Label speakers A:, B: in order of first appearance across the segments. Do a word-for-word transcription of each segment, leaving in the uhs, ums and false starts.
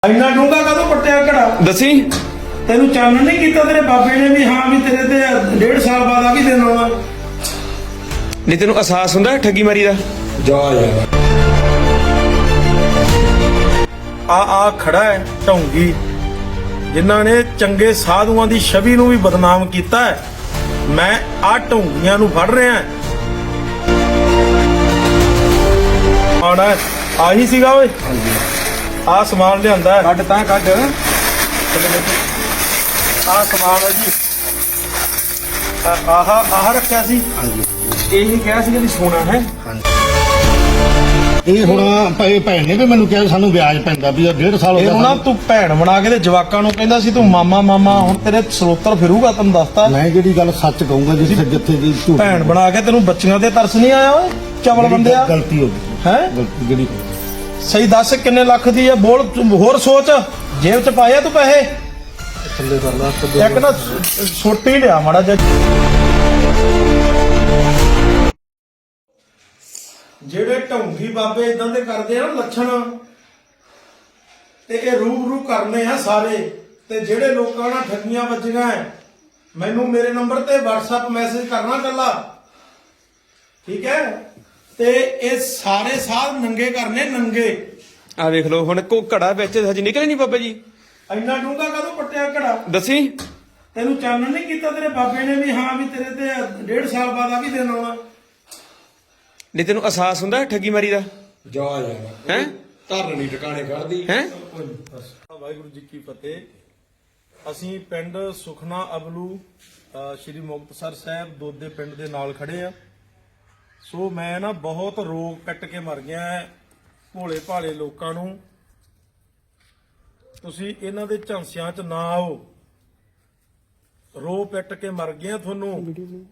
A: ਇੰਨਾ ਡੂੰਘਾ ਕਾਹਤੋਂ ਪੱਟਿਆ ਘੜਾ?
B: दसी
A: ਤੈਨੂੰ ਚਾਨਣ ਨਹੀਂ ਕੀਤਾ ਤੇਰੇ ਬਾਬੇ ਨੇ ਵੀ ਹਾਂ ਵੀ ਤੇਰੇ ਤੇ ਡੇਢ ਸਾਲ ਬਾਅਦ ਆ ਵੀ ਦਿਨ ਆਉਣਾ?
B: नहीं तेन एहसास हुंदा ठगी मारी दा?
A: ਜਾ ਯਾਰ ਆ ਆ ਖੜਾ ਹੈ ਢੌਂਗੀ ਜਿਨ੍ਹਾਂ ਨੇ ਚੰਗੇ ਸਾਧੂਆਂ ਦੀ ਛਵੀ ਨੂੰ ਵੀ ਬਦਨਾਮ ਕੀਤਾ ਹੈ। ਮੈਂ ਆ ਢੌਂਗੀਆਂ ਨੂੰ ਫੜ ਰਿਹਾ ਆਣਾ ਆਹੀ ਸੀਗਾ ਓਏ। ਆ ਸਮਾਨ ਲਿਆਂਦਾ
B: ਕੱਢ ਤਾਂ ਕੱਢ
A: ਆ ਸਮਾਨ ਹੈ ਜੀ ਆਹ ਆਹ ਰੱਖਿਆ ਸੀ।
B: ਇਹੀ ਕਿਹਾ ਸੀ ਕਿ ਸੋਨਾ ਹੈ।
C: ਇਹ ਹੁਣ ਭਾਈ ਭੈਣ ਨੇ ਵੀ ਮੈਨੂੰ ਕਿਹਾ ਸਾਨੂੰ ਵਿਆਜ ਪੈਂਦਾ ਵੀ ਇਹ ਡੇਢ ਸਾਲ ਹੋ
A: ਇਹਨੂੰ ਨਾ ਤੂੰ ਭੈਣ ਬਣਾ ਕੇ ਤੇ ਜਵਾਕਾਂ ਨੂੰ ਕਹਿੰਦਾ ਸੀ ਤੂੰ ਮਾਮਾ ਮਾਮਾ ਹੁਣ ਤੇਰੇ ਸਰੋਤਰ ਫਿਰੂਗਾ ਤੈਨੂੰ ਦੱਸਤਾ।
C: ਮੈਂ ਜਿਹੜੀ ਗੱਲ ਸੱਚ ਕਹੂੰਗਾ ਜਿੱਥੇ ਜਿੱਥੇ ਦੀ ਝੂਠ
A: ਭੈਣ ਬਣਾ ਕੇ ਤੈਨੂੰ ਬੱਚੀਆਂ ਤੇ ਤਰਸ ਨਹੀਂ ਆਇਆ ਓਏ ਚਵਲ ਬੰਦਿਆ?
C: ਗਲਤੀ ਹੋ ਗਈ
A: ਹੈ
C: ਗਲਤੀ ਜਿਹੜੀ
A: ਸਹੀ ਦੱਸ ਕਿੰਨੇ ਲੱਖ ਦੀ ਆ? ਬੋਲ ਤੂੰ ਹੋਰ ਸੋਚ ਜੇਬ ਚ ਪਾਇਆ ਤੂੰ ਪੈਸੇ?
C: ਥੱਲੇ ਕਰ ਲਾ
A: ਇੱਕ ਨਾ ਛੋਟੀ ਲਿਆ ਮਾੜਾ ਜਿਹਾ। ਜਿਹੜੇ ਢੌਂਗੀ ਬਾਬੇ ਇਦਾਂ ਦੇ ਕਰਦੇ ਆ ਨਾ ਲੱਛਣ ਤੇ ਇਹ ਰੂਬਰੂ ਕਰਨੇ ਆ ਸਾਰੇ। ਤੇ ਜਿਹੜੇ ਲੋਕਾਂ ਨਾਲ ਠੱਗੀਆਂ ਵੱਜੀਆਂ ਐ ਮੈਨੂੰ ਮੇਰੇ ਨੰਬਰ ਤੇ WhatsApp ਮੈਸੇਜ ਕਰਨਾ ਕੱਲਾ, ਠੀਕ ਹੈ? ਤੇ ਇਹ ਸਾਰੇ ਸਾਧ ਨੰਗੇ ਕਰਨੇ ਨੰਗੇ।
B: ਆ ਵੇਖ ਲਓ ਹੁਣ ਕੋ ਘੜਾ ਵਿੱਚ ਹਜੇ ਨਿਕਲੇ ਨਹੀਂ ਬਾਬਾ ਜੀ।
A: ਇੰਨਾ ਡੂੰਘਾ ਕਾਹਤੋਂ ਪੱਟਿਆ ਘੜਾ?
B: दसी
A: ਤੈਨੂੰ ਚਾਨਣ ਨਹੀਂ ਕੀਤਾ ਤੇਰੇ ਬਾਬੇ ਨੇ ਵੀ ਹਾਂ ਵੀ ਤੇਰੇ ਤੇ ਡੇਢ ਸਾਲ ਬਾਅਦ ਆ ਵੀ ਦਿਨ ਆਉਣਾ?
B: नहीं तेन एहसास हुंदा ठगी मारी दा?
D: ਜਾ ਯਾਰ
B: हैं
D: ਧਰਨ ਨਹੀਂ ਟਿਕਾਣੇ ਕਰਦੀ
B: हैं
A: ਵਾਹਿਗੁਰੂ ਜੀ ਕੀ ਫਤਿਹ। ਅਸੀਂ ਪਿੰਡ ਸੁਖਨਾ ਅਬਲੂ ਅ, ਸ਼੍ਰੀ ਮੁਕਤਸਰ ਸਾਹਿਬ ਦੋਦੇ ਪਿੰਡ ਦੇ ਨਾਲ ਖੜੇ ਆ। ਸੋ ਮੈਂ ਨਾ ਬਹੁਤ ਰੋਗ ਕੱਟ ਕੇ ਮਰ ਗਿਆ ਹੈ ਭੋਲੇ ਭਾਲੇ ਲੋਕਾਂ ਨੂੰ। ਤੁਸੀਂ ਇਹਨਾਂ ਦੇ ਝਾਂਸਿਆਂ 'ਚ ਨਾ ਆਓ। ਰੋ ਪਿੱਟ ਕੇ ਮਰ ਗਿਆ ਤੁਹਾਨੂੰ।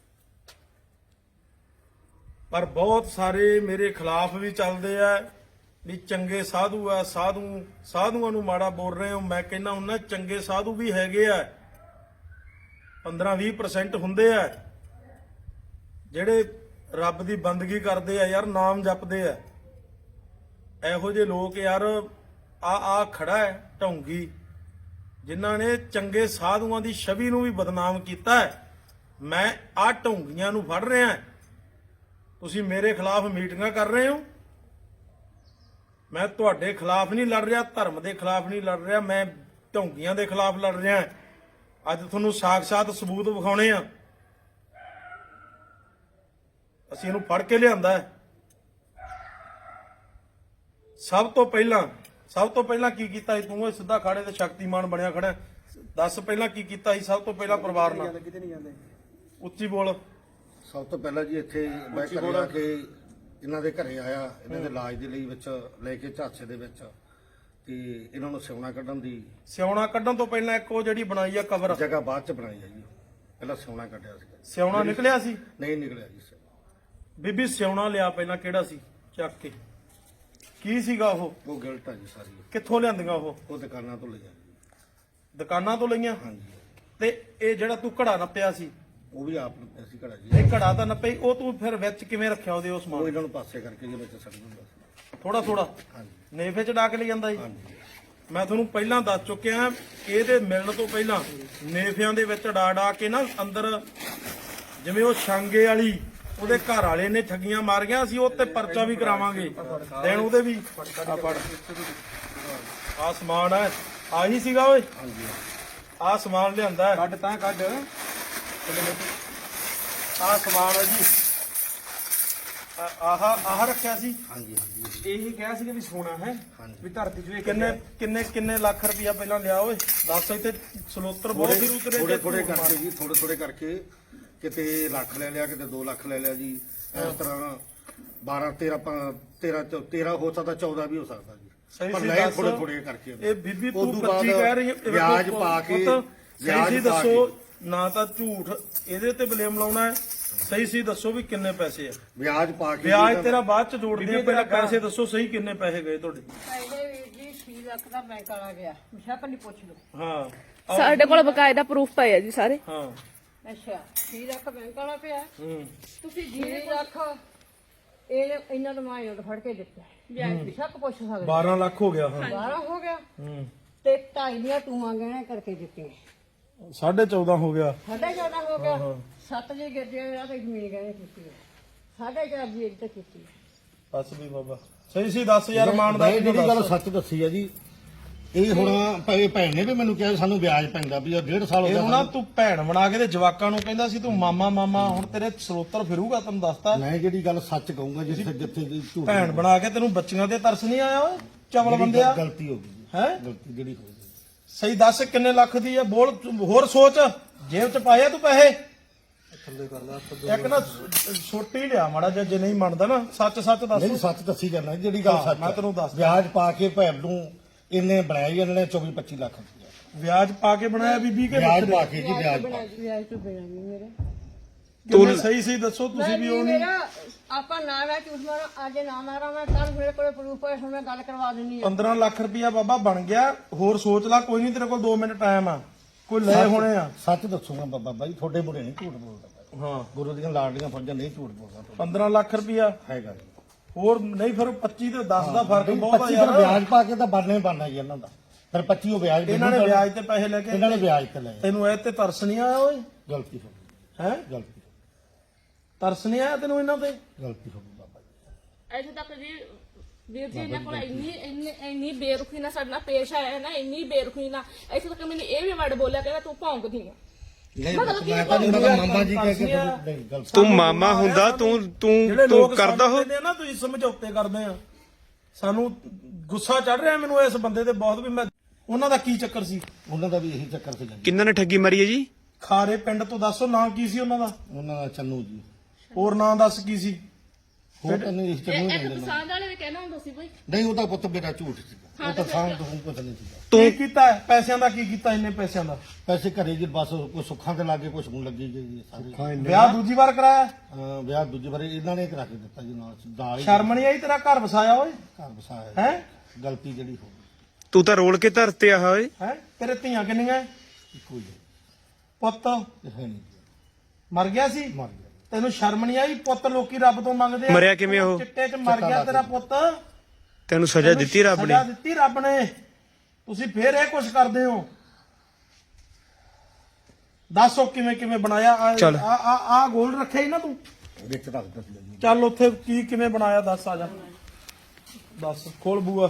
A: ਪਰ ਬਹੁਤ ਸਾਰੇ ਮੇਰੇ ਖਿਲਾਫ ਵੀ ਚੱਲਦੇ ਆ ਵੀ ਚੰਗੇ ਸਾਧੂ ਆ, ਸਾਧੂ ਸਾਧੂਆਂ ਨੂੰ ਮਾੜਾ ਬੋਲ ਰਹੇ ਹੋ। ਮੈਂ ਕਹਿੰਦਾ ਹੁੰਦਾ ਚੰਗੇ ਸਾਧੂ ਵੀ ਹੈਗੇ ਆ, ਪੰਦਰਾਂ ਵੀਹ ਪਰਸੈਂਟ ਹੁੰਦੇ ਆ ਜਿਹੜੇ ਰੱਬ ਦੀ ਬੰਦਗੀ ਕਰਦੇ ਆ ਯਾਰ, ਨਾਮ ਜਪਦੇ ਆ। ਇਹੋ ਜਿਹੇ ਲੋਕ ਯਾਰ ਆ ਆ ਖੜਾ ਹੈ ਢੌਂਗੀ ਜਿਨ੍ਹਾਂ ਨੇ ਚੰਗੇ ਸਾਧੂਆਂ ਦੀ ਛਵੀ ਨੂੰ ਵੀ ਬਦਨਾਮ ਕੀਤਾ ਹੈ। ਮੈਂ ਆ ਢੌਂਗੀਆਂ ਨੂੰ ਫੜ ਰਿਹਾ। ਤੁਸੀਂ ਮੇਰੇ ਖਿਲਾਫ ਮੀਟਿੰਗਾਂ ਕਰ ਰਹੇ ਹੋ। ਮੈਂ ਤੁਹਾਡੇ ਖਿਲਾਫ ਨਹੀਂ ਲੜ ਰਿਹਾ, ਧਰਮ ਦੇ ਖਿਲਾਫ ਨਹੀਂ ਲੜ ਰਿਹਾ, ਮੈਂ ਢੌਂਗੀਆਂ ਦੇ ਖਿਲਾਫ ਲੜ ਰਿਹਾ। ਅੱਜ ਤੁਹਾਨੂੰ ਸਾਖ-ਸਾਤ ਸਬੂਤ ਵਿਖਾਉਣੇ ਆ। ਅਸੀਂ ਇਹਨੂੰ ਫੜ ਕੇ ਲਿਆਂਦਾ ਹੈ। ਸਭ ਤੋਂ ਪਹਿਲਾਂ ਸਭ ਤੋਂ ਪਹਿਲਾਂ ਕੀ ਕੀਤਾ ਸੀ ਤੂੰ? ਇਹ ਸਿੱਧਾ ਖਾੜੇ ਤੇ ਸ਼ਕਤੀਮਾਨ ਬਣਿਆ ਖੜਾ। ਦੱਸ ਪਹਿਲਾਂ ਕੀ ਕੀਤਾ ਸੀ ਸਭ ਤੋਂ ਪਹਿਲਾਂ ਪਰਿਵਾਰ ਨਾਲ? ਉੱਚੀ ਬੋਲ।
C: ਸਭ ਤੋਂ ਪਹਿਲਾਂ ਜੀ ਇੱਥੇ ਮੈਂ ਘਰੇ ਆ ਕੇ ਇਹਨਾਂ ਦੇ ਘਰੇ ਆਇਆ, ਇਹਨਾਂ ਦੇ ਇਲਾਜ ਦੇ ਲਈ ਵਿੱਚ ਲੈ ਕੇ ਝਾਂਸੇ ਦੇ ਵਿੱਚ ਤੇ ਇਹਨਾਂ ਨੂੰ ਸਿਉਣਾ ਕੱਢਣ ਦੀ
A: ਸਿਉਣਾ ਕੱਢਣ ਤੋਂ ਪਹਿਲਾਂ ਇੱਕ ਉਹ ਜਿਹੜੀ ਬਣਾਈ ਆ ਕਬਰ
C: ਜਗ੍ਹਾ ਬਾਅਦ ਚ ਬਣਾਈ ਆ ਜੀ। ਪਹਿਲਾਂ ਸਿਉਣਾ ਕੱਢਿਆ ਸੀ।
A: ਸਿਉਣਾ ਨਿਕਲਿਆ ਸੀ?
C: ਨਹੀਂ ਨਿਕਲਿਆ ਜੀ ਸਿਉਣਾ।
A: ਬੀਬੀ ਸਿਉਣਾ ਲਿਆ ਪਹਿਲਾਂ, ਕਿਹੜਾ ਸੀ? ਚੱਕ ਕੇ ਕੀ ਸੀਗਾ ਉਹ?
C: ਉਹ ਗਿਲਟ ਆ ਜੀ ਸਾਰੀ।
A: ਕਿੱਥੋਂ ਲਿਆਂਦੀਆਂ ਉਹ?
C: ਉਹ ਦੁਕਾਨਾਂ ਤੋਂ ਲਿਆ ਜੀ।
A: ਦੁਕਾਨਾਂ ਤੋਂ ਲਈਆਂ?
C: ਹਾਂਜੀ।
A: ਤੇ ਇਹ ਜਿਹੜਾ ਤੂੰ ਘੜਾ ਨੱਪਿਆ ਸੀ
C: ਉਹ ਵੀ ਆਪ ਨੂੰ ਅਸੀਂ ਘੜਾ ਜੀ।
A: ਇਹ ਘੜਾ ਤਾਂ ਨੱਪਈ, ਉਹ ਤੂੰ ਫਿਰ ਵਿੱਚ ਕਿਵੇਂ ਰੱਖਿਆ ਉਹਦੇ? ਉਸ
C: ਉਹ
A: ਸਮਾਨ
C: ਇਹਨਾਂ ਨੂੰ ਪਾਸੇ ਕਰਕੇ ਜੀ ਵਿੱਚ ਛੱਡ ਦਿੰਦਾ ਸੀ।
A: ਥੋੜਾ ਥੋੜਾ
C: ਹਾਂਜੀ
A: ਨੇਫੇ ਚ ਡਾ ਕੇ ਲੈ ਜਾਂਦਾ ਸੀ।
C: ਹਾਂਜੀ
A: ਮੈਂ ਤੁਹਾਨੂੰ ਪਹਿਲਾਂ ਦੱਸ ਚੁੱਕਿਆ ਇਹਦੇ ਮਿਲਣ ਤੋਂ ਪਹਿਲਾਂ ਨੇਫਿਆਂ ਦੇ ਵਿੱਚ ਡਾ ਡਾ ਕੇ ਨਾ ਅੰਦਰ, ਜਿਵੇਂ ਉਹ ਛਾਂਗੇ ਵਾਲੀ ਉਹਦੇ ਘਰ ਵਾਲੇ ਨੇ ਠੱਗੀਆਂ ਮਾਰੀਆਂ, ਅਸੀਂ ਉਹ ਤੇ ਪਰਚਾ ਵੀ ਕਰਾਵਾਂਗੇ ਦੇਣ ਉਹਦੇ ਵੀ। ਆ ਫੜ ਆ ਸਮਾਨ ਹੈ, ਆਹੀ ਸੀਗਾ ਓਏ। ਆ ਸਮਾਨ ਲਿਆਂਦਾ
B: ਕੱਢ ਤਾਂ ਕੱਢ
A: ਆ ਸਮਾਨ ਹੈ ਜੀ ਆਹ ਆਹ ਰੱਖਿਆ ਸੀ।
C: ਹਾਂਜੀ ਹਾਂਜੀ
B: ਇਹੀ ਕਿਹਾ ਸੀ ਕਿ ਸੋਨਾ ਹੈ। ਵੀ ਧਰਤੀ ਚ
A: ਕਿੰਨੇ ਕਿੰਨੇ ਕਿੰਨੇ ਲੱਖ ਰੁਪਇਆ ਪਹਿਲਾਂ ਲਿਆ ਓਏ? ਦੱਸ ਇੱਥੇ ਸਲੋਤਰ ਬਹੁਤ ਫਿਰ ਉਤਰੇ
C: ਥੋੜੇ ਥੋੜੇ ਕਰਕੇ ਜੀ, ਥੋੜੇ ਥੋੜੇ ਕਰਕੇ ਕਿਤੇ ਲੱਖ ਲੈ ਲਿਆ, ਕਿਤੇ ਦੋ ਲੱਖ ਲੈ ਲਿਆ ਜੀ। ਇਸ ਤਰ੍ਹਾਂ ਬਾਰਾਂ ਤੇਰਾਂ ਤੇਰਾਂ ਤੇਰਾਂ ਹੋ ਸਕਦਾ, ਚੌਦਾਂ ਵੀ ਹੋ ਸਕਦਾ ਜੀ।
A: ਸਹੀ
C: ਪਰ
A: ਸੀ
C: ਨਹੀਂ
A: ਦੱਸ।
C: ਥੋੜੇ ਥੋੜੇ ਕਰਕੇ
A: ਇਹ ਬੀਬੀ ਤੂੰ
C: ਉਦੋਂ
A: ਪੱਚੀ
C: ਬਾਅਦ
A: ਕਹਿ ਰਹੀ ਹੈ, ਇਹ
C: ਵਿਆਜ
A: ਵੇਖੋ
C: ਪਾ ਕੇ
A: ਪੁੱਤ, ਸਹੀ
C: ਵਿਆਜ
A: ਸੀ
C: ਪਾ
A: ਦੱਸੋ
C: ਕੇ
A: ਨਾ ਤਾਂ ਝੂਠ ਇਹਦੇ ਤੇ ਬਲੇਮ ਲਾਉਣਾ ਹੈ। ਸਹੀ ਸੀ ਦੱਸੋ ਵੀ ਕਿੰਨੇ ਪੈਸੇ ਆ?
C: ਵਿਆਜ ਪਾ ਕੇ
A: ਵਿਆਜ ਤੇਰਾ ਬਾਅਦ ਚ ਜੋੜਦੇ ਆ, ਪਹਿਲਾਂ ਪੈਸੇ ਦੱਸੋ ਸਹੀ ਕਿੰਨੇ ਪੈਸੇ ਗਏ ਤੁਹਾਡੇ?
E: ਪਹਿਲੇ ਵੀਰ ਜੀ ਛੇ ਲੱਖ ਦਾ ਬੈਂਕ ਵਾਲਾ ਗਿਆ, ਮੁਸ਼ਕ ਨਹੀਂ ਪੁੱਛ ਲਓ।
A: ਹਾਂ
F: ਸਾਡੇ ਕੋਲ ਬਕਾਇਦਾ ਪ੍ਰੂਫ ਪਏ ਆ ਜੀ ਸਾਰੇ।
A: ਹਾਂ
E: ਅੱਛਾ ਛੇ ਲੱਖ ਬੈਂਕ ਵਾਲਾ ਪਿਆ,
A: ਹੂੰ
E: ਤੁਸੀਂ ਛੇ ਲੱਖ ਇਹ ਇਹਨਾਂ ਨੂੰ ਮਾਇਓ ਫੜ ਕੇ ਦਿੱਤਾ। ਬੇਸ਼ੱਕ ਪੁੱਛ ਸਕਦੇ
A: ਬਾਰਾਂ ਲੱਖ ਹੋ ਗਿਆ ਹਾਂ
E: ਬਾਰਾਂ ਹੋ ਗਿਆ
A: ਹੂੰ
E: ਤੇ ਢਾਈ ਦੀਆਂ ਟੂਆਂ ਗਹਿਣੇ ਕਰਕੇ ਦਿੱਤੀਆਂ
A: ਸਾਢੇ ਚੌਦਾਂ ਹੋ ਗਿਆ
E: ਸਾਢੇ ਚੌਦਾਂ ਹੋ ਗਿਆ ਸੱਤ ਜੇ ਗੱਡੇ ਆ ਤੇ ਜ਼ਮੀਨ ਗਹਿਣੇ ਕੀਤੀ ਹੈ ਸਾਢੇ ਚਾਰ ਦੀ ਇੱਕ ਤੇ ਕੀਤੀ ਹੈ।
A: ਬਸ ਵੀ ਬਾਬਾ ਸਹੀ ਸੀ ਦਸ ਹਜ਼ਾਰ ਮਾਨ ਦਾ
C: ਮੈਂ ਜਿਹੜੀ ਗੱਲ ਸੱਚ ਦੱਸੀ ਆ ਜੀ ਇਹ ਹੁਣ ਭਾਵੇਂ ਭੈਣ ਨੇ ਵੀ ਮੈਨੂੰ ਕਿਹਾ ਸਾਨੂੰ ਵਿਆਜ ਪੈਂਦਾ ਵੀ ਉਹ ਡੇਢ ਸਾਲ ਹੋ
A: ਇਹਨੂੰ
C: ਗਿਆ
A: ਨਾ ਤੂੰ ਭੈਣ ਬਣਾ ਕੇ ਤੇ ਜਵਾਕਾਂ ਨੂੰ ਕਹਿੰਦਾ ਸੀ ਤੂੰ ਮਾਮਾ ਮਾਮਾ ਹੁਣ ਤੇਰੇ ਸਰੋਤਰ ਫਿਰੂਗਾ ਤੈਨੂੰ ਦੱਸਤਾ
C: ਮੈਂ ਜਿਹੜੀ ਗੱਲ ਸੱਚ ਕਹੂੰਗਾ ਜਿੱਥੇ ਜਿੱਥੇ ਦੀ ਝੂਠ
A: ਭੈਣ ਬਣਾ ਕੇ ਤੈਨੂੰ ਬੱਚੀਆਂ ਤੇ ਤਰਸ ਨਹੀਂ ਆਇਆ ਓਏ ਚਵਲ
C: ਜਿਹੜੀ
A: ਬੰਦਿਆ
C: ਗਲਤੀ ਹੋ ਗਈ ਜੀ,
A: ਹੈ
C: ਗਲਤੀ ਜਿਹੜੀ ਹੋ ਗਈ
A: ਸਹੀ ਦੱਸ ਕਿੰਨੇ ਲੱਖ ਦੀ ਆ ਬੋਲ ਤੂੰ ਹੋਰ ਸੋਚ ਜੇਬ ਚ ਪਾਇਆ ਤੂੰ ਪੈਸੇ ਇੱਕ ਨਾ ਛੋਟੀ ਲਿਆ ਮਾੜਾ ਜਿਹਾ ਜੇ ਨਹੀਂ ਮੰਨਦਾ ਨਾ ਸੱਚ ਸੱਚ ਦੱਸ
C: ਨਹੀਂ ਸੱਚ ਦੱਸੀ ਜਾਂਦਾ ਜਿਹੜੀ ਗੱਲ
A: ਹਾਂ,
C: ਸੱਚ
A: ਮੈਂ
C: ਆ।
A: ਤੈਨੂੰ ਦੱਸਦਾ।
C: ਵਿਆਜ ਪਾ ਕੇ ਭੈਣ ਨੂੰ ਇਹਨੇ ਬਣਾਇਆ ਜੀ ਇਹਨਾਂ ਨੇ ਚੌਵੀ ਪੱਚੀ ਲੱਖ ਰੁਪਇਆ
A: ਵਿਆਜ ਪਾ ਕੇ ਬਣਾਇਆ ਬੀਬੀ ਕੇ
C: ਵਿਆਜ
A: ਬੱਚੇ
C: ਪਾ ਕੇ ਜੀ ਵਿਆਜ ਪਾ ਕੇ।
E: ਵਿਆਜ ਤੋਂ ਬਿਨਾਂ ਨਹੀਂ ਮੇਰੇ
A: ਤੂੰ ਸਹੀ ਸਹੀ ਦੱਸੋ ਤੁਸੀਂ ਵੀ ਉਹ ਨਹੀਂ
E: ਮੇਰਾ ਆਪਾਂ ਨਾ ਮੈਂ ਝੂਠ ਮਾਰਾਂ ਅੱਜ ਨਾ ਮਾਰਾਂ ਮੈਂ ਕੱਲ ਮੇਰੇ ਕੋਲੇ ਪ੍ਰੂਫ ਹੈ ਮੈਂ ਗੱਲ ਕਰਵਾ ਦਿੰਨੀ ਆ
A: ਪੰਦਰਾਂ ਲੱਖ ਰੁਪਇਆ ਬਾਬਾ ਬਣ ਗਿਆ ਹੋਰ ਸੋਚ ਲੈ ਕੋਈ ਨਹੀਂ ਤੇਰੇ ਕੋਲ ਦੋ ਮਿੰਟ ਟਾਈਮ ਆ ਕੋਈ ਲੈ ਹੋਣੇ ਆ
C: ਸੱਚ ਦੱਸੂਗਾ ਬਾਬਾ ਬਾਈ ਤੁਹਾਡੇ ਬੁਰੇ ਨਹੀਂ ਝੂਠ ਬੋਲਦਾ
A: ਹਾਂ
C: ਗੁਰੂ ਦੀਆਂ ਲਾਡਲੀਆਂ ਫੌਜਾਂ ਨਹੀਂ ਝੂਠ ਬੋਲਦਾ
A: ਪੰਦਰਾਂ ਲੱਖ ਰੁਪਇਆ
C: ਹੈਗਾ ਜੀ
A: ਹੋਰ ਨਹੀਂ ਫਿਰ ਪੱਚੀ ਤੇ ਦਸ ਦਾ ਫਰਕ ਬਹੁਤ ਆ
C: ਪੱਚੀ
A: ਯਾਰ
C: ਫਿਰ ਵਿਆਜ ਪਾ ਕੇ ਤਾਂ ਬਣਨਾ ਹੀ ਬਣਨਾ ਜੀ ਇਹਨਾਂ ਦਾ ਫਿਰ ਪੱਚੀ ਉਹ ਵਿਆਜ
A: ਇਹਨਾਂ ਨੇ
C: ਮੈਨੂੰ
A: ਵਿਆਜ ਤੇ ਪੈਸੇ ਲੈ ਕੇ
C: ਇਹਨਾਂ ਨੇ ਵਿਆਜ ਤੇ ਲਏ
A: ਤੈਨੂੰ ਇਹ ਤੇ ਤਰਸ ਨਹੀਂ ਆਇਆ ਓਏ
C: ਗਲਤੀ ਹੋ ਗਈ
A: ਹੈ
C: ਗਲਤੀ
A: ਤਰਸ ਨਹੀਂ ਆਇਆ ਤੈਨੂੰ ਇਹਨਾਂ ਤੇ
C: ਗਲਤੀ ਹੋ ਗਈ ਬਾਬਾ ਜੀ
F: ਇੱਥੇ ਤੱਕ ਜੀ ਵੀਰ ਜੀ ਇਹਨਾਂ ਕੋਲ ਇੰਨੀ ਇੰਨੀ ਇੰਨੀ ਬੇਰੁਖੀ ਨਾਲ ਸਾਡੇ ਨਾਲ ਪੇਸ਼ ਆਇਆ ਨਾ ਇੰਨੀ ਬੇਰੁਖੀ ਨਾਲ ਇੱਥੇ ਤੱਕ ਮੈਨੂੰ ਇਹ ਵੀ ਵਰਡ ਬੋਲਿਆ ਕਹਿੰਦਾ ਤੂੰ ਭੌਂਕਦੀ ਆ
C: ਨਹੀਂ ਮੈਂ ਤਾਂ ਨਹੀਂ ਪਤਾ ਮਾਮਾ ਜੀ ਕਹਿ ਕੇ ਨਹੀਂ ਗਲਤੀ
B: ਤੂੰ ਮਾਮਾ ਹੁੰਦਾ ਤੂੰ ਤੂੰ
A: ਜਿਹੜੇ
B: ਤੂੰ
A: ਲੋਕ
B: ਕਰਦਾ ਹੋ
A: ਸਮਝਦੇ ਆ ਨਾ ਤੁਸੀਂ ਸਮਝੌਤੇ ਕਰਦੇ ਆ ਸਾਨੂੰ ਗੁੱਸਾ ਚੜ ਰਿਹਾ ਮੈਨੂੰ ਇਸ ਬੰਦੇ ਤੇ ਬਹੁਤ ਵੀ ਮੈਂ ਉਹਨਾਂ ਦਾ ਕੀ ਚੱਕਰ ਸੀ
C: ਉਹਨਾਂ ਦਾ ਵੀ ਇਹੀ ਚੱਕਰ ਸੀ ਜੀ
B: ਕਿੰਨਾਂ ਨੇ ਠੱਗੀ ਮਾਰੀ ਹੈ ਜੀ
A: ਖਾਰੇ ਪਿੰਡ ਤੋਂ ਦੱਸੋ ਨਾਂ ਕੀ ਸੀ ਉਹਨਾਂ ਦਾ
C: ਉਹਨਾਂ ਦਾ ਚੰਨੂ ਜੀ
A: ਹੋਰ ਨਾਂ ਦੱਸ ਕੀ ਸੀ
C: ਹੋਰ ਤਾਂ ਨਹੀਂ ਚੰਨੂ
F: ਇੱਕ
C: ਨਹੀਂ ਲੈਣਾ
F: ਪਸੰਦ ਵਾਲੇ ਵੀ ਕਹਿਣਾ ਹੁੰਦਾ ਸੀ ਬਈ
C: ਨਹੀਂ ਉਹਦਾ ਪੁੱਤ ਮੇਰਾ ਝੂਠ ਸੀਗਾ ਉਹ ਤਾਂ ਸਾਂਭ ਤੋਂ ਕੁਝ ਨਹੀਂ ਸੀਗਾ
A: ਕੀ ਕੀਤਾ ਹੈ? ਪੈਸਿਆਂ ਦਾ ਕੀ ਕੀਤਾ ਇੰਨੇ ਪੈਸਿਆਂ ਦਾ
C: ਪੈਸੇ ਘਰੇ ਜੀ ਬਸ ਕੋਈ ਸੁੱਖਾਂ ਤੇ ਲਾਗੇ ਕੁਝ ਹੁਣ ਲੱਗੀ ਗਈ ਜੀ ਸਾਰੇ
A: ਵਿਆਹ ਦੂਜੀ ਵਾਰ ਕਰਾਇਆ
C: ਅਹ ਵਿਆਹ ਦੂਜੀ ਵਾਰੀ ਇਹਨਾਂ ਨੇ ਕਰਾ ਕੇ ਦਿੱਤਾ ਜੀ ਨਾਲ ਨਾਲ ਹੀ
A: ਸ਼ਰਮ ਨਹੀਂ ਆਈ ਤੇਰਾ ਘਰ ਵਸਾਇਆ ਓਏ
C: ਘਰ ਵਸਾਇਆ
A: ਹੈ
C: ਗਲਤੀ ਜਿਹੜੀ ਹੋ ਗਈ
B: ਤੂੰ ਤਾਂ ਰੋਲ ਕੇ ਧਰਤੇ ਆ ਓਏ
A: ਹੈ ਤੇਰੇ ਧੀਆਂ ਕਿੰਨੀਆਂ ਹੈ?
C: ਇੱਕੋ ਹੀ ਹੈ
A: ਪੁੱਤ
C: ਇਹ ਹੈ ਨਹੀਂ ਜੀ,
A: ਮਰ ਗਿਆ ਸੀ
C: ਮਰ ਗਿਆ
A: ਤੈਨੂੰ ਸ਼ਰਮ ਨਹੀਂ ਆਈ ਪੁੱਤ ਲੋਕੀ ਰੱਬ ਤੋਂ ਮੰਗਦੇ ਆ
B: ਮਰਿਆ ਕਿਵੇਂ ਉਹ?
A: ਚਿੱਟੇ 'ਚ ਮਰ ਗਿਆ ਤੇਰਾ ਪੁੱਤ
B: ਤੈਨੂੰ ਸਜ਼ਾ ਦਿੱਤੀ ਰੱਬ ਨੇ
A: ਸਜ਼ਾ ਦਿੱਤੀ ਰੱਬ ਨੇ ਤੁਸੀਂ ਫੇਰ ਇਹ ਕੁਛ ਕਰਦੇ ਹੋ ਦੱਸੋ ਕਿਵੇਂ ਕਿਵੇਂ ਬਣਾਇਆ ਆ
B: ਚੱਲ।
A: ਆ ਆ ਆ ਗੋਲ ਰੱਖਿਆ ਹੀ ਨਾ ਤੂੰ
C: ਵਿੱਚ ਰੱਖ ਦਿੱਤੀ ਜੀ
A: ਚੱਲ ਉੱਥੇ ਕੀ ਕਿਵੇਂ ਬਣਾਇਆ ਦੱਸ ਆ ਜਾ ਦੱਸ ਖੋਲ ਬੂਆ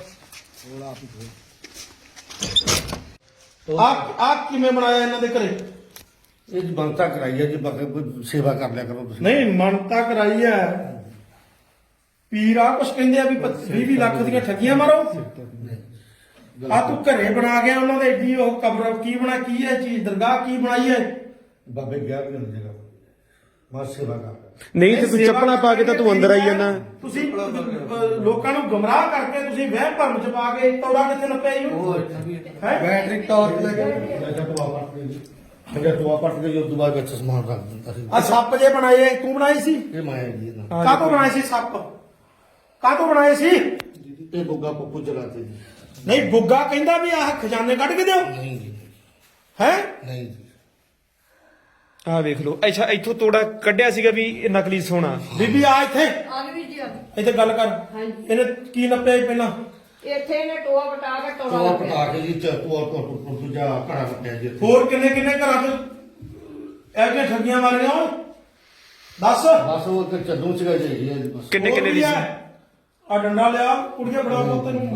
A: ਆ ਆ ਕਿਵੇਂ ਬਣਾਇਆ ਇਹਨਾਂ ਦੇ ਘਰੇ
C: ਇਹ ਜੀ ਬੰਤਾ ਕਰਾਈ ਹੈ ਜੀ ਬਾਕੀ ਕੋਈ ਸੇਵਾ ਕਰ ਲਿਆ ਕਰੋ ਤੁਸੀਂ
A: ਨਹੀਂ ਮੰਨਤਾ ਕਰਾਈ ਐ ਪੀਰ ਆ ਕੁਛ ਕਹਿੰਦੇ ਆ ਵੀ ਵੀਹ ਵੀਹ ਲੱਖ ਦੀਆਂ ਠੱਗੀਆਂ ਮਾਰੋ ਆ ਤੂੰ ਘਰੇ ਬਣਾ ਗਿਆ ਉਹਨਾਂ ਦੇ ਏਡੀ ਉਹ ਕਬਰ ਕੀ ਬਣਾ ਕੀ ਹੈ ਚੀਜ਼ ਦਰਗਾਹ ਕੀ ਬਣਾਈ ਹੈ
C: ਬਾਬੇ ਗਿਆਰ ਮਿਲ ਜੇਗਾ ਮੈਂ ਸੇਵਾ ਕਰ
B: ਨਹੀਂ ਤੇ ਤੂੰ ਚੱਪਲਾਂ ਪਾ ਕੇ ਤਾਂ ਤੂੰ ਅੰਦਰ ਆਈ ਜਾਂਦਾ
A: ਤੁਸੀਂ ਅਹ, ਲੋਕਾਂ ਨੂੰ ਗੁੰਮਰਾਹ ਕਰਕੇ ਤੁਸੀਂ ਵਹਿਮ ਭਰਮ ਚ ਪਾ ਕੇ ਤੋੜਾ ਕਿੱਥੇ ਨੱਪਿਆ ਹੀ ਹੈ
C: ਬੈਟਰੀ ਟਾਰਚ ਲੈ ਕੇ ਜਾਂ ਟੋਆ ਪੱਟ ਕੇ ਜੀ ਟੋਆ ਪੱਟ ਕੇ ਉਸ ਤੋਂ ਬਾਅਦ ਵਿੱਚ ਸਮਾਨ ਰੱਖ ਦਿੰਦਾ ਸੀ
A: ਆ ਸੱਪ ਜੇ ਬਣਾਏ ਤੂੰ ਬਣਾਏ ਸੀ
C: ਇਹ ਮਾਇਆ ਜੀ ਇਹਨਾਂ
A: ਕਾਹਤੋਂ ਬਣਾਏ ਸੀ ਸੱਪ ਕਾਹਤੋਂ ਬਣਾਏ ਸੀ
C: ਇਹ ਬੁੱਗਾ ਪੱਪੂ ਚਲਾਤੇ ਜੀ
A: ਨਹੀਂ ਗੁੱਗਾ ਕਹਿੰਦਾ ਵੀ ਆਹ ਖਜ਼ਾਨੇ ਕੱਢ ਕੇ ਦਿਓ
C: ਨਹੀਂ ਜੀ
A: ਹੈ
C: ਨਹੀਂ ਜੀ
B: ਆਹ ਵੇਖ ਲਓ ਅੱਛਾ ਇੱਥੋਂ ਤੋੜਾ ਕੱਢਿਆ ਸੀਗਾ ਵੀ ਇਹ ਨਕਲੀ ਸੋਨਾ
A: ਬੀਬੀ ਆ ਇੱਥੇ
E: ਆ ਗਈ ਜੀ ਆ ਗਈ।
A: ਇੱਥੇ ਗੱਲ ਕਰ
E: ਹਾਂਜੀ।
A: ਇਹਨੇ ਕੀ ਨੱਪਿਆ ਸੀ ਪਹਿਲਾਂ
E: ਇੱਥੇ ਇਹਨੇ ਟੋਆ ਬਟਾ ਕੇ ਟੋਆ
C: ਟੋਆ
E: ਲੱਭਿਆ।
C: ਪਟਾ ਕੇ ਜੀ ਚ ਟੋਆ ਤੋਂ ਦੂਜਾ ਘੜਾ ਕੱਟਿਆ ਜੀ ਇੱਥੇ।
A: ਹੋਰ ਕਿੰਨੇ ਕਿੰਨੇ ਘਰਾਂ 'ਚ ਇਹੋ ਜਿਹੀਆਂ ਠੱਗੀਆਂ ਮਾਰੀਆਂ ਓਏ ਦੱਸ
C: ਬਸ ਉਹ ਇੱਕ ਚੱਦੂ ਸੀਗਾ ਜੀ ਜੀ ਇਹ ਬਸ
B: ਕਿੰਨੇ ਕਿੰਨੇ ਦੀ ਸੀ
A: ਆ ਡੰਡਾ ਲਿਆ ਕੁੜੀਆਂ ਫੜਾ ਲੋ ਤੈਨੂੰ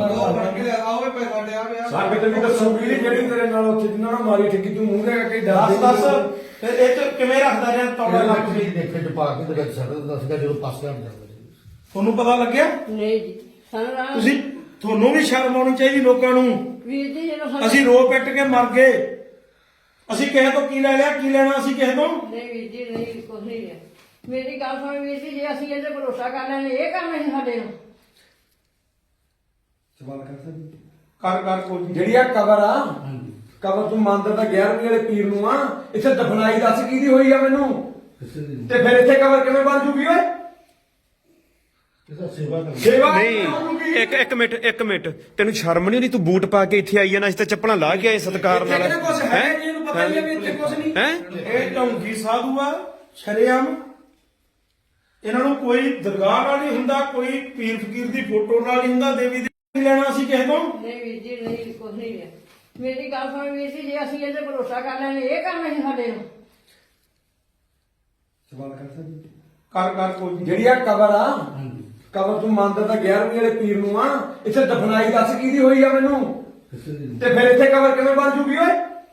D: ਸਾਡੇ ਤੇ ਵੀ ਦੱਸੂਗੀ ਨੀ ਜਿਹੜੀ ਤੇਰੇ ਨਾਲ ਉੱਥੇ ਜਿੰਨਾ ਨਾਲ ਮਾਰੀ ਠੱਗੀ ਤੂੰ ਮੂੰਹ ਦੇ ਕੇ
A: ਦੱਸ
D: ਡਰਦੇ
A: ਦੱਸ ਫਿਰ ਇਹ ਚ ਕਿਵੇਂ ਰੱਖਦਾ ਰਿਹਾ ਤੌੜਾ ਲੱਗ
C: ਲੱਖ
A: ਕੇ
C: ਜੀ ਦੇਖੇ ਚ ਪਾ ਕੇ ਤੇ ਵਿੱਚ ਛੱਡ ਦਿੰਦਾ ਸੀਗਾ ਜਦੋਂ ਪਾਸੇ ਹਟ ਜਾਂਦਾ ਸੀ
A: ਤੁਹਾਨੂੰ ਪਤਾ ਲੱਗਿਆ
E: ਨਹੀਂ ਜੀ ਸਾਨੂੰ ਰਾਮ
A: ਤੁਸੀਂ ਤੁਹਾਨੂੰ ਵੀ ਸ਼ਰਮ ਆਉਣੀ ਚਾਹੀਦੀ ਲੋਕਾਂ ਨੂੰ
E: ਵੀਰ ਜੀ ਜਦੋਂ ਸਾਨੂੰ
A: ਅਸੀਂ ਰੋ ਪਿੱਟ ਕੇ ਮਰ ਗਏ ਅਸੀਂ ਕਿਸੇ ਤੋਂ ਕੀ ਲੈ ਲਿਆ ਕੀ ਲੈਣਾ ਅਸੀਂ ਕਿਸੇ ਤੋਂ
E: ਨਹੀਂ ਵੀਰ ਜੀ ਨਹੀਂ ਕੁਝ ਨਹੀਂ ਹੈ ਮੇਰੀ ਗੱਲ ਸੁਣ ਵੀਰ ਜੀ ਜੇ ਅਸੀਂ ਇਹਦੇ ਭਰੋਸਾ ਕਰ ਲੈਣੇ ਇਹ ਕੰਮ ਨਹੀਂ ਸਾਡੇ ਨੂੰ
D: ਸਵਾਲ ਕਰ ਸਕਦੀ
A: ਕਰ ਕਰ ਕੋਈ
D: ਜਿਹੜੀ ਆ ਕਬਰ ਆ ਕਬਰ ਤੂੰ ਮੰਦਰ ਦਾ ਗਿਆਰਵੀਂ ਵਾਲੇ ਪੀਰ ਨੂੰ ਆ ਇੱਥੇ ਦਫਨਾਈ ਦੱਸ ਕਿਹਦੀ ਹੋਈ ਆ ਮੈਨੂੰ
C: ਕਿਸੇ ਦੀ
D: ਤੇ ਫਿਰ ਇੱਥੇ ਕਬਰ ਕਿਵੇਂ ਬਣ ਜੂਗੀ ਓਏ
C: ਕਿਸੇ ਸੇਵਾ ਕਰ
D: ਸੇਵਾ
B: ਨਹੀਂ ਇੱਕ ਇੱਕ ਮਿੰਟ ਇੱਕ ਮਿੰਟ ਤੈਨੂੰ ਸ਼ਰਮ ਨਹੀਂ ਆਉਂਦੀ ਤੂੰ ਬੂਟ ਪਾ ਕੇ ਇੱਥੇ ਆਈ ਜਾਣਾ ਅਸੀਂ ਤਾਂ ਚੱਪਲਾਂ ਲਾ ਕੇ ਆਏ ਸਤਿਕਾਰ ਨਾਲ
D: ਇੱਥੇ ਕੁਝ ਹੈ
B: ਹੈਂ?
D: ਨਹੀਂ ਇਹਨੂੰ ਪਤਾ ਨਹੀਂ ਵੀ ਇੱਥੇ ਕੁਝ ਨਹੀਂ
B: ਹੈਂ
A: ਇਹ ਢੌਂਗੀ ਸਾਧੂ ਆ ਸ਼ਰੇਆਮ ਇਹਨਾਂ ਨੂੰ ਕੋਈ ਦਰਗਾਹ ਨਾਲ ਨਹੀਂ ਹੁੰਦਾ, ਕੋਈ ਪੀਰ ਫਕੀਰ ਦੀ ਫੋਟੋ ਨਾਲ ਨਹੀਂ ਹੁੰਦਾ, ਦੇਵੀ ਦੀ ਨਹੀਂ ਲੈਣਾ ਸੀ ਕਿਸੇ ਤੋਂ।
E: ਨਹੀਂ ਵੀਰ ਜੀ ਨਹੀਂ ਕੁਝ ਨਹੀਂ ਹੈ। ਮੇਰੀ ਗੱਲ ਸੁਣ ਵੀਰ ਜੀ, ਜੇ ਅਸੀਂ ਇਹਦੇ ਭਰੋਸਾ ਕਰ ਲੈਣੇ ਇਹ ਕੰਮ ਨਹੀਂ ਸਾਡੇ ਨੂੰ।
D: ਸਵਾਲ ਕਰ ਸਕਦੀ
A: ਕਰ ਕਰ ਕੋਈ ਨੀ।
D: ਜਿਹੜੀ ਆ ਕਬਰ ਆ ਕਬਰ ਤੂੰ ਮੰਨਦਾ ਤਾਂ ਗਿਆਰਵੀਂ ਵਾਲੇ ਪੀਰ ਨੂੰ ਆ, ਇੱਥੇ ਦਫਨਾਈ ਦੱਸ ਕਿਹਦੀ ਹੋਈ ਆ ਮੈਨੂੰ, ਤੇ ਫਿਰ ਇੱਥੇ ਕਬਰ ਕਿਵੇਂ ਬਣ ਜੂਗੀ ਓਏ?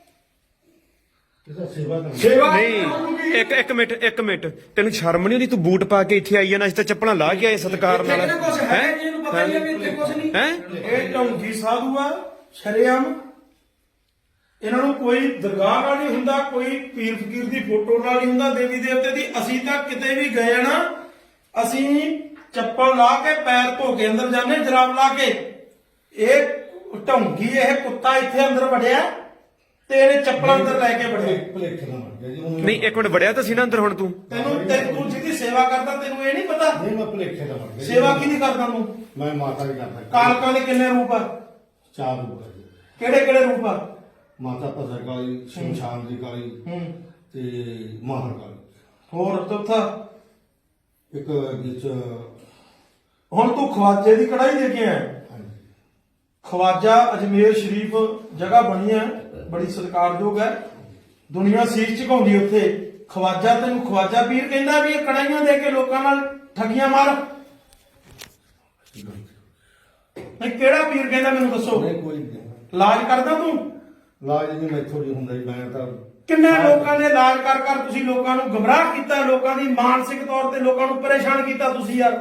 C: ਸੇਵਾ ਕਰ
D: ਸੇਵਾ
B: ਨਹੀਂ ਇੱਕ ਇੱਕ ਮਿੰਟ ਇੱਕ ਮਿੰਟ ਤੈਨੂੰ ਸ਼ਰਮ ਨਹੀਂ ਆਉਂਦੀ ਤੂੰ ਬੂਟ ਪਾ ਕੇ ਇੱਥੇ ਆਈ ਆ ਨਾ, ਅਸੀਂ ਤਾਂ ਚੱਪਲਾਂ ਲਾ ਕੇ ਆਏ ਸਤਿਕਾਰ ਨਾਲ
D: ਇੱਥੇ ਕੁਝ ਹੈ ਜੀ, ਇਹਨੂੰ ਪਤਾ ਹੀ ਆ ਵੀ ਇੱਥੇ ਕੁਝ ਨਹੀਂ।
B: ਹੈ
A: ਇਹ ਢੌਂਗੀ ਸਾਧੂ ਆ ਸ਼ਰੇਆਮ। ਇਹਨਾਂ ਨੂੰ ਕੋਈ ਦਰਗਾਹ ਨਾਲ ਨਹੀਂ ਹੁੰਦਾ, ਕੋਈ ਪੀਰ ਫਕੀਰ ਦੀ ਫੋਟੋ ਨਾਲ ਨਹੀਂ ਹੁੰਦਾ, ਦੇਵੀ ਦੇਵਤੇ ਦੀ। ਅਸੀਂ ਤਾਂ ਕਿਤੇ ਵੀ ਗਏ ਨਾ, ਅਸੀਂ ਚੱਪਲ ਲਾ ਕੇ ਪੈਰ ਧੋ ਕੇ ਅੰਦਰ ਜਾਂਦੇ, ਜਰਾਬ ਲਾ ਕੇ। ਇਹ ਢੌਂਗੀ ਇਹ ਕੁੱਤਾ ਇੱਥੇ ਅੰਦਰ ਵੜਿਆ ਤੇ ਇਹਨੇ ਚੱਪਲਾਂ ਅੰਦਰ ਲੈ ਕੇ ਵੜਿਆ।
C: ਭਲੇਖੇ ਨਾਲ ਮਰ ਗਿਆ ਜੀ ਉਹਨੂੰ-
B: ਨਹੀਂ ਇੱਕ ਮਿੰਟ ਵੜਿਆ ਤਾਂ ਸੀ ਨਾ ਅੰਦਰ ਹੁਣ ਤੂੰ।
A: ਤੈਨੂੰ ਤੇ ਤੂੰ ਜਿਹਦੀ ਸੇਵਾ ਕਰਦਾ ਤੈਨੂੰ ਇਹ ਨਹੀਂ ਪਤਾ
C: ਨਹੀਂ ਮੈਂ ਭਲੇਖੇ ਨਾਲ ਮਰ ਗਿਆ ਜੀ।
A: ਸੇਵਾ ਕਿਹਦੀ ਕਰਦਾ ਤੂੰ?
C: ਮੈਂ ਮਾਤਾ ਦੀ ਕਰਦਾ।
A: ਕਾਲਕਾਂ ਦੇ ਕਿੰਨੇ ਰੂਪ ਆ?
C: ਚਾਰ ਰੂਪ ਹੈ ਜੀ।
A: ਕਿਹੜੇ ਕਿਹੜੇ ਰੂਪ ਆ?
C: ਮਾਤਾ ਭਸਰ ਕਾਲੀ, ਸ਼ਮਸ਼ਾਨ ਦੀ ਕਾਲੀ
A: ਹੂੰ
C: ਤੇ ਮਾਹਰ ਕਾਲੀ।
A: ਹੋਰ ਚੌਥਾ?
C: ਇੱਕ ਵਿੱਚ
A: ਹੁਣ ਤੂੰ ਖਵਾਜੇ ਦੀ ਕੜਾਈ ਦੇ ਕੇ ਆਇਆ।
C: ਹਾਂਜੀ
A: ਖਵਾਜਾ ਅਜਮੇਰ ਸ਼ਰੀਫ ਜਗ੍ਹਾ ਬਣੀ ਹੈ, ਬੜੀ ਸਤਿਕਾਰਯੋਗ ਹੈ, ਦੁਨੀਆ ਸੀਸ ਝੁਕਾਉਂਦੀ ਉੱਥੇ। ਖਵਾਜਾ ਤੈਨੂੰ ਖਵਾਜਾ ਪੀਰ ਕਹਿੰਦਾ ਵੀ ਇਹ ਕੜਾਈਆਂ ਦੇ ਕੇ ਲੋਕਾਂ ਨਾਲ ਠੱਗੀਆਂ ਮਾਰ? ਨਹੀਂ ਕਿਹੜਾ ਪੀਰ ਕਹਿੰਦਾ ਮੈਨੂੰ ਦੱਸੋ।
C: ਨਹੀਂ ਕੋਈ ਨਹੀਂ
A: ਇਲਾਜ ਕਰਦਾ ਤੂੰ?
C: ਲਾਜ ਨਹੀਂ ਮੈਥੋਂ ਨਹੀਂ ਹੁੰਦਾ ਜੀ। ਮੈਂ ਤਾਂ
A: ਕਿੰਨੇ ਲੋਕਾਂ ਦੇ ਇਲਾਜ ਕਰ ਕਰ ਤੁਸੀਂ ਲੋਕਾਂ ਨੂੰ ਗਮਰਾਹ ਕੀਤਾ, ਲੋਕਾਂ ਦੀ ਮਾਨਸਿਕ ਤੌਰ ਤੇ ਲੋਕਾਂ ਨੂੰ ਪਰੇਸ਼ਾਨ ਕੀਤਾ ਤੁਸੀਂ ਯਾਰ।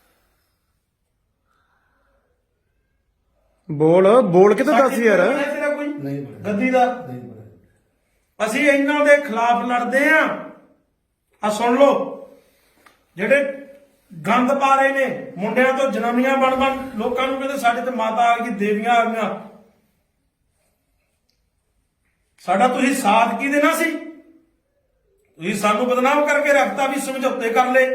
B: ਬੋਲ ਬੋਲ ਕੇ ਤਾਂ ਦੱਸ ਯਾਰ।
A: ਸਾਡੀ ਤੇਰਾ ਕੋਈ
C: ਨਹੀਂ ਬਣਿਆ।
A: ਗੱਦੀ ਦਾ
C: ਨਹੀਂ ਬਣਿਆ।
A: ਅਸੀਂ ਇਹਨਾਂ ਦੇ ਖਿਲਾਫ ਲੜਦੇ ਆਂ। ਆ ਸੁਣ ਲਓ, ਜਿਹੜੇ ਗੰਦ ਪਾ ਰਹੇ ਨੇ, ਮੁੰਡਿਆਂ ਤੋਂ ਜਨਾਨੀਆਂ ਬਣ ਬਣ ਲੋਕਾਂ ਨੂੰ ਕਹਿੰਦੇ ਸਾਡੇ ਤੇ ਮਾਤਾ ਆ ਗਈ, ਦੇਵੀਆਂ ਆ ਗਈਆਂ। ਸਾਡਾ ਤੁਸੀਂ ਸਾਥ ਕੀ ਦੇਣਾ ਸੀ? ਤੁਸੀਂ ਸਾਨੂੰ ਬਦਨਾਮ ਕਰਕੇ ਰੱਖਤਾ ਵੀ ਸਮਝੌਤੇ ਕਰ ਲਏ।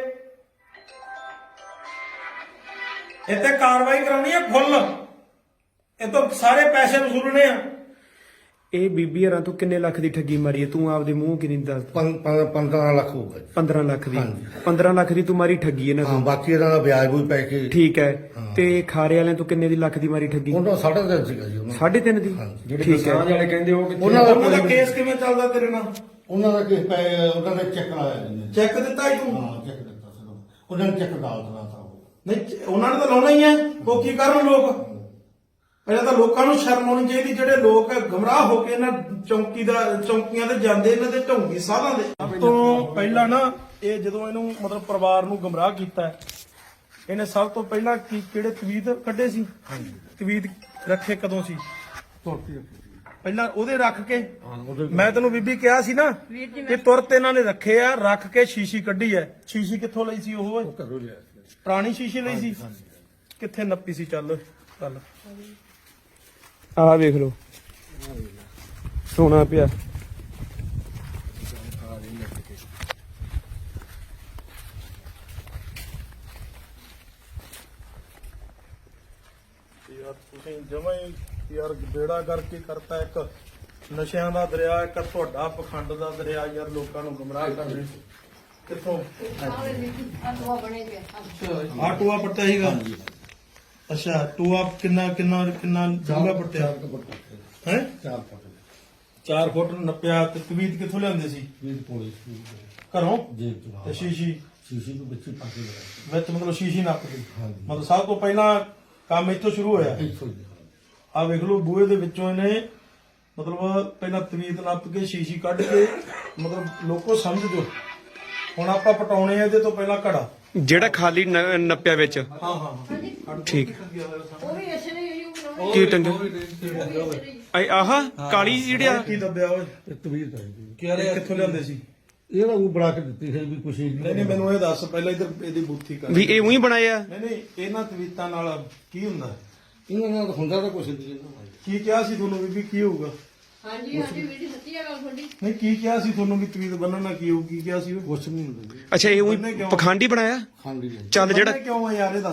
A: ਇੱਥੇ ਕਾਰਵਾਈ ਕਰਾਉਣੀ ਹੈ ਫੁੱਲ, ਇਹ ਤੋਂ ਸਾਰੇ ਪੈਸੇ ਵਸੂਲਣੇ ਆ।
B: ਇਹ ਬੀਬੀ ਯਾਰਾਂ ਤੂੰ ਕਿੰਨੇ ਲੱਖ ਦੀ ਠੱਗੀ ਮਾਰੀ ਹੈ ਤੂੰ ਆਪਦੇ ਮੂੰਹ ਕਿੰਨੀ ਦੱਸ?
C: ਪੰ- ਪੰ- ਪੰਦਰਾਂ ਲੱਖ ਹੋਊਗਾ ਜੀ।
B: ਪੰਦਰਾਂ ਲੱਖ ਦੀ
C: ਹਾਂਜੀ।
B: ਪੰਦਰਾਂ ਲੱਖ ਦੀ ਤੂੰ ਮਾਰੀ ਠੱਗੀ ਇਹਨਾਂ
C: ਹਾਂ
B: ਤੋਂ।
C: ਬਾਕੀ ਇਹਨਾਂ ਦਾ ਵਿਆਜ ਵੀ ਪੈ ਕੇ
B: ਠੀਕ ਹੈ ਤੇ ਖਾਰੇ ਵਾਲਿਆਂ ਤੋਂ ਕਿੰਨੇ ਦੀ ਲੱਖ ਦੀ ਮਾਰੀ ਠੱਗੀ?
C: ਉਹਨਾਂ ਦਾ ਸਾਢੇ ਤਿੰਨ ਸੀਗਾ ਜੀ ਉਹਨਾਂ ਦਾ।
B: ਸਾਢੇ ਤਿੰਨ ਦੀ
D: ਜਿਹੜੇ
B: ਠੀਕ ਹੈ।
D: ਕਿਸਾਨ ਵਾਲੇ ਕਹਿੰਦੇ ਉਹ ਕਿੱਥੇ
C: ਉਹਨਾਂ ਦਾ
A: ਉਹਨਾਂ ਦਾ ਕੇਸ ਕਿਵੇਂ ਚੱਲਦਾ ਤੇਰੇ ਨਾਲ?
C: ਉਹਨਾਂ ਦਾ ਕਿਸ ਪੈ ਉਹਨਾਂ ਦਾ ਚੈੱਕ ਲਾਇਆ ਜੀ ਨੇ।
A: ਚੈੱਕ ਦਿੱਤਾ ਹੀ ਤੂੰ?
C: ਹਾਂ ਚੈੱਕ ਦਿੱਤਾ ਸੀ ਉਹਨਾਂ ਨੇ। ਉਹਨਾਂ ਨੇ ਚੈੱਕ ਡਾਲ ਦਿੱਤਾ ਤਾਂ ਉਹ।
A: ਨਹੀਂ ਚ- ਉਹਨਾਂ ਨੇ ਤਾਂ ਲਾਉਣਾ ਹੀ ਹੈ। ਉਹ ਕੀ ਕਰਨ ਲੋਕ? ਪਹਿਲਾਂ ਤਾਂ ਲੋਕਾਂ ਨੂੰ ਸ਼ਰਮ ਆਉਣੀ ਚਾਹੀਦੀ, ਜਿਹੜੇ ਲੋਕ ਗਮਰਾਹ ਹੋ ਕੇ ਇਹਨਾਂ ਚੌਂਕੀ ਦਾ ਚੌਂਕੀਆਂ ਤੇ ਜਾਂਦੇ, ਇਹਨਾਂ ਦੇ ਢੌਂਗੀ ਸਾਧਾਂ ਦੇ। ਸਭ ਤੋਂ ਪਹਿਲਾਂ ਨਾ ਇਹ ਜਦੋਂ ਇਹਨੂੰ ਮਤਲਬ ਪਰਿਵਾਰ ਨੂੰ ਗਮਰਾਹ ਕੀਤਾ ਹੈ, ਇਹਨੇ ਸਭ ਤੋਂ ਪਹਿਲਾਂ ਕੀ ਕਿਹੜੇ ਤਵੀਤ ਕੱਢੇ ਸੀ? ਤਵੀਤ ਰੱਖੇ ਕਦੋਂ ਸੀ? ਪਹਿਲਾਂ ਉਹਦੇ ਰੱਖ ਕੇ ਮੈਂ ਤੈਨੂੰ ਬੀਬੀ ਕਿਹਾ ਸੀ ਨਾ ਕਿ ਤੁਰਤ ਇਹਨਾਂ ਨੇ ਰੱਖੇ ਆ, ਰੱਖ ਕੇ ਸ਼ੀਸ਼ੀ ਕੱਢੀ ਐ। ਸ਼ੀਸ਼ੀ ਕਿੱਥੋਂ ਲਈ ਸੀ ਉਹ?
C: ਘਰੋਂ ਲਿਆ ਸੀ।
A: ਪੁਰਾਣੀ ਸ਼ੀਸ਼ੀ ਲਈ ਸੀ। ਕਿੱਥੇ ਨੱਪੀ ਸੀ? ਚੱਲ ਚੱਲ
B: ਆਹ ਵੇਖ ਲਓ ਸੋਨਾ ਪਿਆ।
A: ਯਾਰ ਤੁਸੀਂ ਜਮਾਂ ਹੀ ਯਾਰ ਬੇੜਾ ਕਰਕੇ ਕਰਤਾ। ਇੱਕ ਨਸ਼ਿਆਂ ਦਾ ਦਰਿਆ, ਇੱਕ ਤੁਹਾਡਾ ਪਖੰਡ ਦਾ ਦਰਿਆ। ਯਾਰ ਲੋਕਾਂ ਨੂੰ ਗੁੰਮਰਾਹ ਕਰ ਰਹੇ ਕਿੱਥੋਂ?
E: ਆਹ ਬਣੇ ਪਿਆ।
A: ਆ ਟੂਆ ਪੱਟਿਆ ਸੀਗਾ? ਅੱਛਾ ਟੂਆ ਕਿੰਨਾ ਕਿੰਨਾ ਕਿੰਨਾ ਡੂੰਘਾ ਪੱਟਿਆ ਹੈ?
C: ਚਾਰ ਫੁੱਟ
A: ਚਾਰ ਫੁੱਟ ਨੱਪਿਆ। ਤੇ ਤਵੀਤ ਕਿੱਥੋਂ ਲਿਆਂਦੇ ਸੀ?
C: ਵੀਹ ਪੌੜੀ
A: ਘਰੋਂ?
C: ਜੇਬ ਤੋਂ
A: ਤੇ ਸ਼ੀਸ਼ੀ
C: ਸ਼ੀਸ਼ੀ ਨੂੰ ਵਿੱਚ ਹੀ ਪਾ ਕੇ ਲਗਾਇਆ।
A: ਵਿੱਚ ਮਤਲਬ ਸ਼ੀਸ਼ੀ ਨੱਪਦੀ?
C: ਹਾਂਜੀ।
A: ਮਤਲਬ ਸਭ ਤੋਂ ਪਹਿਲਾਂ ਕੰਮ ਇੱਥੋਂ ਸ਼ੁਰੂ ਹੋਇਆ।
C: ਇੱਥੋਂ ਹੀ
A: ਆ ਵੇਖ ਲਓ ਬੂਹੇ ਦੇ ਵਿੱਚੋਂ ਇਹਨੇ ਮਤਲਬ ਪਹਿਲਾਂ ਤਵੀਤ ਨੱਪ ਕੇ ਸ਼ੀਸ਼ੀ ਕੱਢ ਕੇ, ਮਤਲਬ ਲੋਕੋ ਸਮਝ ਜੋ। ਹੁਣ ਆਪਾਂ ਪਟਾਉਣੇ ਆ ਇਹਦੇ ਤੋਂ ਪਹਿਲਾਂ ਘੜਾ।
B: ਜਿਹੜਾ ਖਾਲੀ ਨ- ਨੱਪਿਆ ਵਿੱਚ।
A: ਹਾਂ ਹਾਂ ਹਾਂ
B: ਠੀਕ।
E: ਉਹ ਵੀ ਇਸੇ ਨੇ ਯੂ ਬਣਾਉਣੇ।
B: ਕੀ ਟੰਗ ਆਹ ਕਾਲੀ ਜਿਹੜਿਆ
A: ਕੀ ਦੱਬਿਆ ਓਏ?
C: ਇਹ ਤਵੀਰ ਚਾਹੀਦੀ।
A: ਇਹ ਕਿੱਥੋਂ ਲਿਆਂਦੇ ਸੀ?
C: ਇਹ ਤਾਂ ਉਹ ਬਣਾ ਕੇ ਦਿੱਤੀ ਹੈ ਵੀ ਕੁਛ ਹੀ
A: ਨਹੀਂ ਨਹੀਂ ਮੈਨੂੰ ਇਹ ਦੱਸ ਪਹਿਲਾਂ ਇਧਰ ਇਹਦੀ ਬੂਥੀ ਕਰ।
B: ਵੀ ਇਹ ਉਹੀ ਬਣਾਇਆ।
A: ਨਹੀਂ ਨਹੀਂ ਇਹਨਾਂ ਤਵੀਤਾਂ ਨਾਲ ਕੀ ਹੁੰਦਾ?
C: ਇਹਨਾਂ ਨਾਲ ਹੁੰਦਾ ਤਾਂ ਕੁਛ ਨਹੀਂ ਇਹਨਾਂ
A: ਕੀ ਕਿਹਾ ਸੀ ਤੁਹਾਨੂੰ ਬੀਬੀ ਕੀ ਹੋਊਗਾ?
E: ਹਾਂਜੀ ਹਾਂਜੀ ਵੀਰ ਜੀ ਸੱਚੀ ਆ ਗੱਲ ਤੁਹਾਡੀ।
A: ਨਹੀਂ ਕੀ ਕਿਹਾ ਸੀ ਤੁਹਾਨੂੰ ਵੀ ਤਵੀਤ ਬੰਨਣ ਨਾਲ ਕੀ ਹੋਊ? ਕੀ ਕਿਹਾ ਸੀ?
C: ਕੁਛ ਨਹੀਂ ਹੁੰਦਾ ਜੀ।
B: ਅੱਛਾ ਇਹ ਉਹੀ ਪਖੰਡੀ ਬਣਾਇਆ।
C: ਖਾਂਡੀ ਹੈ
B: ਚੱਲ ਜਿਹੜਾ
A: ਬੰਨ੍ਹਣੇ ਕਿਉਂ ਆ ਯਾਰ ਇਹ ਦੱਸ?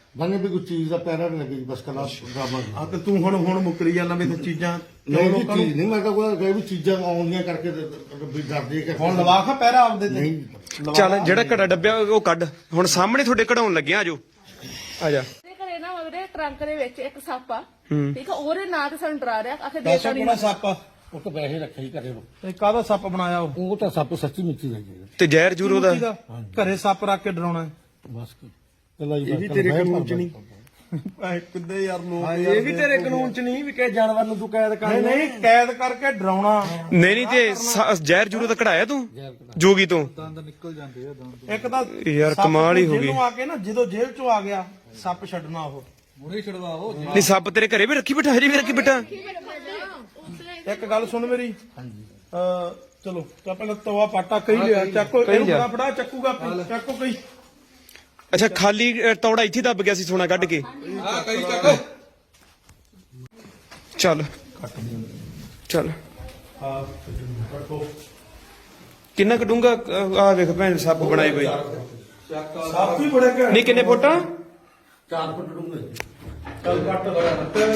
C: ਬੰਨੇ ਵੀ ਕੋਈ ਚੀਜ਼ ਦਾ ਪੈਰਾ ਨਹੀਂ ਲੱਗੀ ਬਸ ਕਲਾ ਡਰਾਮਾ
A: ਆ ਤੇ ਤੂੰ ਹੁਣ ਹੁਣ ਮੁੱਕਰੀ ਜਾਂਦਾ ਵੀ ਤੇ ਚੀਜ਼ਾਂ
C: ਨਹੀਂ ਵੀ
A: ਲੋਕਾਂ ਨੂੰ-
C: ਚੀਜ਼ ਨਹੀਂ ਮੈਂ ਤਾਂ ਕੋਈ ਕਹੇ ਵੀ ਚੀਜ਼ਾਂ ਆਉਂਦੀਆਂ ਕਰਕੇ ਤੇ ਵੀ ਡਰਦੇ ਕਰਕੇ
A: ਹੁਣ ਲਵਾ ਖਾ ਪਹਿਰਾ ਆਪਦੇ ਤੇ
C: ਨਹੀਂ
B: ਚੱਲ ਜਿਹੜਾ ਘੜਾ ਡੱਬਿਆ ਉਹ ਕੱਢ ਹੁਣ ਸਾਹਮਣੇ ਤੁਹਾਡੇ ਕਢਾਉਣ ਲੱਗਿਆ ਆਜੋ ਆ ਜਾ
F: ਤੇ ਘਰੇ ਨਾ ਉਹਦੇ ਟਰੰਕ ਦੇ ਵਿੱਚ ਇੱਕ ਸੱਪ ਆ ਠੀਕ ਆ ਉਹਦੇ ਨਾਂ ਤੇ ਸਾਨੂੰ ਡਰਾ ਰਿਹਾ ਆਖੇ ਦੇ
A: ਦੱਸੋ ਕਿਹੜਾ ਸੱਪ ਆ
C: ਉਹ ਤਾਂ ਪੈਸੇ ਰੱਖੇ ਹੀ ਘਰੇ
A: ਤੇ ਕਾਹਦਾ ਸੱਪ ਬਣਾਇਆ ਉਹ
C: ਉਹ ਤਾਂ ਸੱਪ ਸੱਚੀ ਮਿੱਚੀ ਲੱਗੀ
B: ਤੇ ਜ਼ਹਿਰ ਜੂਰ ਉਹਦਾ
A: ਕਿਹਦਾ? ਘਰੇ ਸੱਪ ਰੱਖ ਕੇ ਡਰਾਉਣਾ ਹੈ।
C: ਬਸ ਕੱਲਾ ਹੀ
B: ਇਹ ਵੀ ਤੇਰੇ ਕਾਨੂੰਨ ਚ ਨਹੀਂ
A: ਐ ਕਿੱਦੇ ਯਾਰ ਲੋਕ
D: ਇਹ ਵੀ ਤੇਰੇ ਕਾਨੂੰਨ ਚ ਨਹੀਂ ਵੀ ਕਿਸੇ ਜਾਨਵਰ ਨੂੰ ਤੂੰ ਕੈਦ ਕਰ
A: ਨਹੀਂ ਨਹੀਂ ਕੈਦ ਕਰਕੇ ਡਰਾਉਣਾ
B: ਨਹੀਂ ਨਹੀਂ ਤੇ ਸ- ਜ਼ਹਿਰ ਜੂਰ ਉਹਦਾ ਕਢਾਇਆ ਤੂੰ ਜੋਗੀ ਤੋਂ
A: ਇੱਕ ਤਾਂ
B: ਯਾਰ
A: ਸੱਪ
B: ਕਮਾਲ ਹੀ ਹੋ ਗਈ।
A: ਜਿਹਨੂੰ ਆ ਕੇ ਨਾ ਜਦੋਂ ਜੇਲ੍ਹ ਚੋਂ ਆ ਗਿਆ ਸੱਪ ਛੱਡਣਾ ਉਹ
B: ਨਹੀਂ ਸੱਪ ਤੇਰੇ ਘਰੇ ਵੀ ਰੱਖੀ ਬਿਠਾ ਹਜੇ ਵੀ ਰੱਖੀ ਬਿਠਾ
A: ਇੱਕ ਗੱਲ ਸੁਣ ਮੇਰੀ ਹਾਂਜੀ ਅ ਚਲੋ ਤਾਂ ਪਹਿਲਾਂ ਤਵਾ ਪਾਟਾ ਕਹੀ ਲਿਆ ਚੱਕੋ
B: ਕਹੀ
A: ਇਹਨੂੰ
B: ਲਿਆ।
A: ਬੜਾ ਫੜਾ ਚੱਕੂਗਾ ਆਪੇ, ਚੱਕੋ ਕਈ
B: ਅੱਛਾ ਖਾਲੀ ਅ, ਤੌੜਾ ਇੱਥੇ ਦੱਬ ਗਿਆ ਸੀ ਸੋਨਾ ਕੱਢ ਕੇ
D: ਹਾਂ ਕਈ ਚੱਕ
B: ਚੱਲ ਚੱਲ
A: ਹਾਂ ਰੱਖੋ
B: ਕਿੰਨਾ ਕਟੂੰਗਾ ਆ ਵੇਖ ਭੈਣ ਸੱਪ ਬਣਾਏ ਕੋਈ
A: ਸੱਪ ਵੀ ਬੜੇ ਘੈਂਟ
B: ਨਹੀਂ ਕਿੰਨੇ ਫੁੱਟ ਆ
C: ਚਾਰ ਫੁੱਟ ਡੂੰਘੇ
A: ਚੱਲ ਕੱਟ ਲਗਾ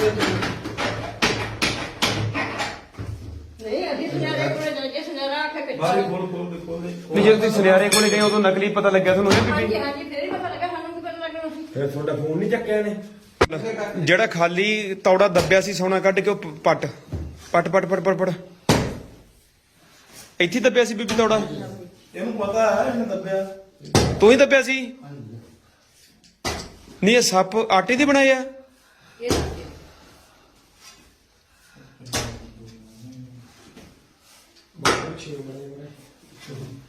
E: ਨਹੀਂ ਅਸੀਂ ਸੁਨਿਆਰੇ ਕੋਲੇ ਜਾ ਕੇ ਸੁਨਿਆਰਾ ਆਖੇ ਕਿ
A: ਬਾਰੀ ਖੋਲ ਖੋਲ ਦੇ ਖੋਲ ਦੇ
B: ਨਹੀਂ ਜਦੋਂ ਤੁਸੀਂ ਸੁਨਿਆਰੇ ਕੋਲੇ ਗਏ ਉਦੋਂ ਨਕਲੀ ਪਤਾ ਲੱਗਿਆ ਤੁਹਾਨੂੰ ਇਹ
E: ਹਾਂਜੀ
B: ਬੀਬੀ
E: ਹਾਂਜੀ ਫੇਰ ਹੀ ਪਤਾ ਲੱਗਾ ਸਾਨੂੰ ਕੀ ਪਤਾ ਲੱਗਣਾ ਸੀ
D: ਫਿਰ ਤੁਹਾਡਾ ਫੋਨ ਨਹੀਂ ਚੱਕਿਆ ਨੇ
B: ਜਿਹੜਾ ਖਾਲੀ ਤੌੜਾ ਦੱਬਿਆ ਸੀ ਸੋਨਾ ਕੱਢ ਕੇ ਉਹ ਪ- ਪੱਟ ਪੱਟ ਪੱਟ ਪੱਟ ਪੱਟ ਪੱਟ ਇੱਥੇ ਹੀ ਦੱਬਿਆ ਸੀ ਬੀਬੀ ਤੌੜਾ
A: ਇਹਨੂੰ ਪਤਾ ਹੈ ਇਹਨੇ ਦੱਬਿਆ
B: ਤੂੰ ਹੀ ਦੱਬਿਆ ਸੀ ਨਹੀਂ ਇਹ ਸੱਪ ਆਟੇ ਦੇ ਬਣਾਏ ਆ
E: ਇਹ ਦੱਸਿਓ।
A: ਅੱਛਾ